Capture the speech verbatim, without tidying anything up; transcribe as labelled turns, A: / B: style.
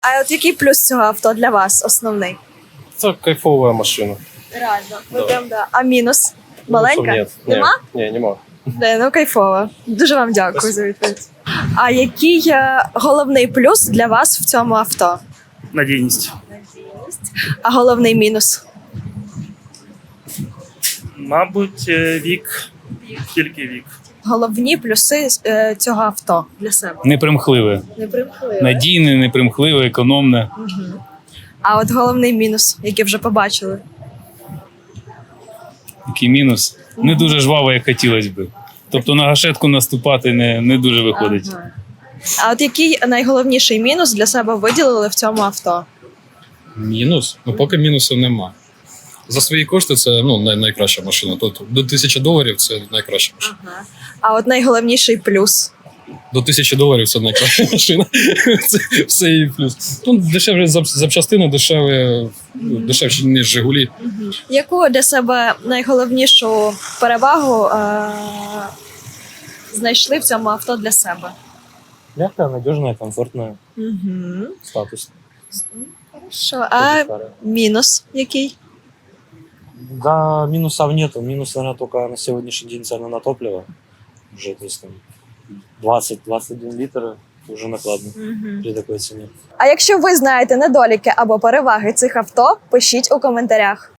A: А от який плюс цього авто для вас основний?
B: Это кайфовая машина.
A: Реально.
B: Да.
A: Ну, прям, да. А мінус? Маленька?
B: Минусов нет.
A: Нема?
B: Не, не, нема.
A: Не, ну кайфово. Дуже вам дякую за відповідь. А який е, головний плюс для вас в цьому авто?
C: Надійність.
A: А головний мінус?
C: Мабуть, е, вік. Тільки вік.
A: Головні плюси е, цього авто для себе.
D: Непримхливе.
A: Не примхливе.
D: Надійне, непримхливе, економне.
A: А от головний мінус, який вже побачили.
D: Який мінус. Не дуже жваво, як хотілося би. Тобто на гашетку наступати не, не дуже виходить.
A: Ага. А от який найголовніший мінус для себе виділили в цьому авто?
E: Мінус? Ну, поки мінусу нема. За свої кошти це ну, най- найкраща машина. Тобто до тисячі доларів це найкраща машина.
A: Ага. А от найголовніший плюс.
E: До тисячі доларів це найкраща машина. Це все її плюс. Ну, дешеві зап- запчастини, дешеві, ну, дешевші, ніж Жигулі.
A: Яку для себе найголовнішу перевагу е- знайшли в цьому авто для себе?
B: Мягкая, надежная, комфортная,
A: Угу.
B: статус.
A: Що? А мінус який?
B: Да, минусов нету. Минус, наверное, только на сегодняшний день цена на топливо. Уже, то есть там двадцать двадцать один литр уже накладно
A: Угу.
B: при такой цене.
A: А якщо ви знаєте недоліки або переваги цих авто, пишіть у коментарях.